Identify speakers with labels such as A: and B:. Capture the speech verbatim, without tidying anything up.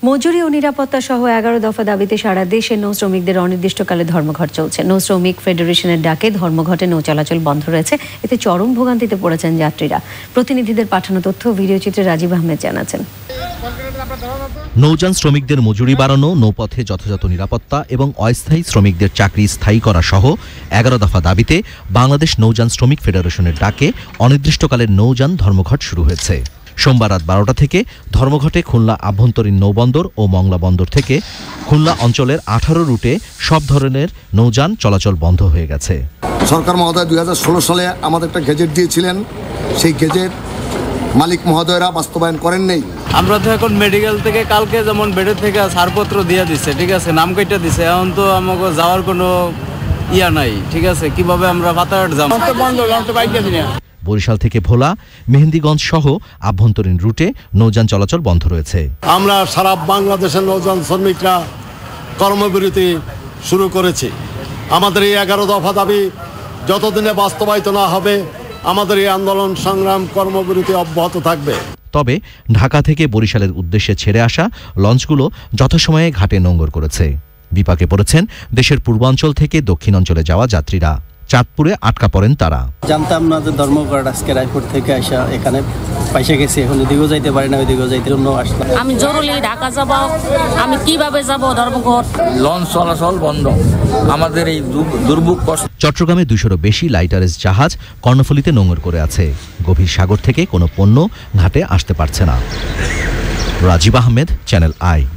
A: মজুরি ও নিরাপত্তা সহ এগারো দফা দাবিতে সারা দেশে নৌ শ্রমিকদের অনির্দিষ্টকালে ধর্মঘট চলছে। নৌ শ্রমিক ফেডারেশনের ডাকে ধর্মঘটে নৌ চলাচল বন্ধ রয়েছে। এতে চরম ভোগান্তিতে পড়েছেন যাত্রীরা। প্রতিনিধিদের পাঠানো তথ্য ভিডিওচিত্রে রাজীব আহমেদ জানাচ্ছেন।
B: নৌযান শ্রমিকদের মজুরি বাড়ানো, নৌপথে যথাযথ নিরাপত্তা এবং অস্থায়ী শ্রমিকদের চাকরি স্থায়ী করা সহ এগারো দফা দাবিতে বাংলাদেশ নৌযান শ্রমিক ফেডারেশনের ডাকে অনির্দিষ্টকালের নৌযান ধর্মঘট শুরু হয়েছে। সোমবার রাত বারোটা থেকে ধর্মঘটে খুলনা আভ্যন্তরীণ নৌবন্দর ও মংলা বন্দর থেকে খুলনা অঞ্চলের আঠারো রুটে সব ধরনের নৌযান চলাচল বন্ধ হয়ে গেছে।
C: সরকার মহোদয় দুই হাজার ষোলো সালে আমাদের একটা গেজেট দিয়েছিলেন, সেই গেজেট মালিক মহোদয়রা বাস্তবায়ন করেন নেই।
D: আমরা তো এখন মেডিকেল থেকে কালকে যেমন বেডের থেকে ছাড়পত্র দিয়ে দিচ্ছে, ঠিক আছে, নাম কেটে দিচ্ছে, এখন তো আমাকে যাওয়ার কোনো ইয়া নাই, ঠিক আছে, কিভাবে আমরা পাতাঘাট যাবো?
B: বরিশাল থেকে ভোলা, মেহেন্দিগঞ্জ সহ আভ্যন্তরীণ রুটে নৌযান চলাচল বন্ধ রয়েছে।
E: আমরা সারা বাংলাদেশের নৌযান শ্রমিকরা কর্মবিরতি শুরু করেছি। আমাদের এই এগারো দফা দাবি যতদিনে বাস্তবায়িত না হবে আমাদের এই আন্দোলন সংগ্রাম কর্মবিরতি অব্যাহত থাকবে।
B: তবে ঢাকা থেকে বরিশালের উদ্দেশ্যে ছেড়ে আসা লঞ্চগুলো যথাসময়ে ঘাটে নোঙর করেছে। বিপাকে পড়েছেন দেশের পূর্বাঞ্চল থেকে দক্ষিণাঞ্চলে যাওয়া যাত্রীরা। চাঁদপুরে আটকা পড়েন তারা।
F: জানতাম না যে ধর্মঘট আজকে রায়পুর থেকে আসা এখানে পয়সা গেছে, এখন এদিকেও যাইতে পারি না, ওইদিকেও যাইতে জন্য আসলাম।
G: আমি জরুরি ঢাকা যাব, আমি কিভাবে যাব? ধর্মঘট,
H: লঞ্চ চলাচল বন্ধ, আমাদের এই দুর্ভোগ কষ্ট।
B: চট্টগ্রামে দুশোরও বেশি লাইটারেজ জাহাজ কর্ণফুলীতে নোঙর করে আছে। গভীর সাগর থেকে কোনো পণ্য ঘাটে আসতে পারছে না। Rajib Ahmed, Channel I.